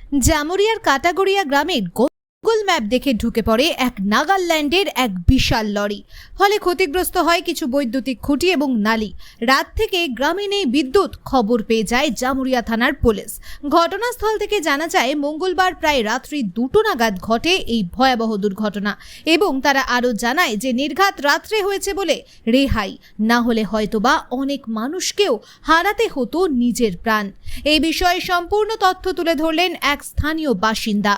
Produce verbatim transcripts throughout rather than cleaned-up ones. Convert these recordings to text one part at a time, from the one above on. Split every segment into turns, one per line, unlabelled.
জামুরিয়ার কাটাগড়িয়া গ্রামের Google map দেখে ঢুকে পড়ে এক নাগাল্যান্ডের এক বিশাল লরি। ফলে ক্ষতিগ্রস্ত হয় কিছু বৈদ্যুতিক খুঁটি এবং নালী। রাত থেকে গ্রামে নেই বিদ্যুৎ। খবর পেয়ে যায় জামুরিয়া থানার পুলিশ। ঘটনাস্থল থেকে জানা যায় মঙ্গলবার প্রায় রাত্রি দুটো নাগাদ ঘটে এই ভয়াবহ দুর্ঘটনা এবং তারা আরও জানায় যে নির্ঘাত রাত্রে হয়েছে বলে রেহাই না হলে হয়তোবা অনেক মানুষকেও হারাতে হতো নিজের প্রাণ। এই বিষয়ে সম্পূর্ণ তথ্য তুলে ধরলেন এক স্থানীয় বাসিন্দা।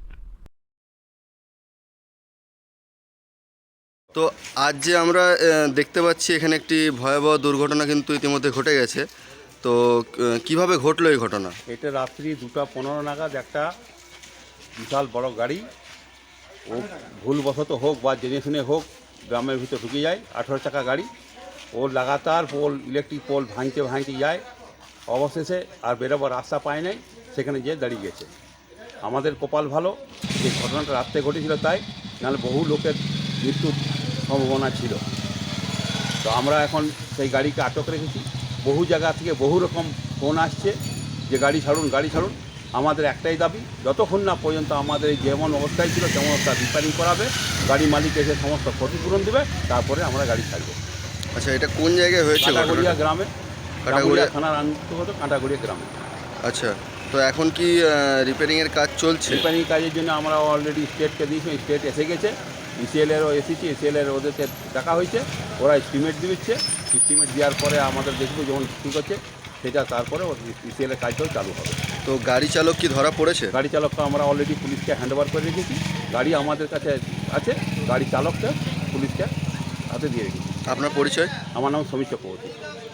তো আজ যে আমরা দেখতে পাচ্ছি এখানে একটি ভয়াবহ দুর্ঘটনা কিন্তু ইতিমধ্যে ঘটে গেছে। তো কিভাবে ঘটলো এই ঘটনা?
এটা রাত্রি দুটা পনেরো নাগাদ একটা বিশাল বড় গাড়ি ও ভুলবশত হোক বা জেনে শুনে হোক গ্রামের ভিতর ঢুকে যায়। আঠেরো চাকা গাড়ি, ও লাগাতার পোল ইলেকট্রিক পোল ভাঙতে ভাঙতে যায়। অবশেষে আর বেরোবার রাস্তা পায় নাই, সেখানে যেয়ে দাঁড়িয়ে গেছে। আমাদের কপাল ভালো যে ঘটনাটা রাত্রে ঘটেছিল, তাই নাহলে বহু লোকের মৃত্যুর সম্ভাবনা ছিল। তো আমরা এখন সেই গাড়িকে আটক রেখেছি। বহু জায়গা থেকে বহু রকম ফোন আসছে যে গাড়ি ছাড়ুন গাড়ি ছাড়ুন। আমাদের একটাই দাবি, যতক্ষণ না পর্যন্ত আমাদের এই যেমন অবস্থায় ছিল তেমন অবস্থা রিপেয়ারিং করাবে, গাড়ি মালিক এসে সমস্ত ক্ষতিপূরণ দেবে, তারপরে আমরা গাড়ি ছাড়বো।
আচ্ছা, এটা কোন জায়গায় হয়েছে?
কাঁটাগড়িয়া গ্রামে,
কাঁটাগড়িয়া
থানার অন্তর্গত কাঁটাগড়িয়া গ্রামে।
আচ্ছা, তো এখন কি রিপেয়ারিংয়ের কাজ চলছে?
রিপেয়ারিং কাজের জন্য আমরা অলরেডি স্টেটকে দিয়েছি, স্টেট এসে গেছে। ইসিএলেরও এসেছি, ইসিএলের ওদেরকে দেখা হয়েছে, ওরা এস্টিমেট দিচ্ছে। এস্টিমেট দেওয়ার পরে আমাদের দেখবো যেমন ঠিক হচ্ছে সেটা, তারপরে ইসিএলের কাজটাও চালু হবে।
তো গাড়ি চালক কি ধরা পড়েছে?
গাড়ি চালককে আমরা অলরেডি পুলিশকে হ্যান্ড ওভার করে রেখেছি। গাড়ি আমাদের কাছে আছে, গাড়ি চালককে পুলিশকে হাতে দিয়ে রেখেছি।
আপনার পরিচয়?
আমার নাম সমীর চক্রবর্তী।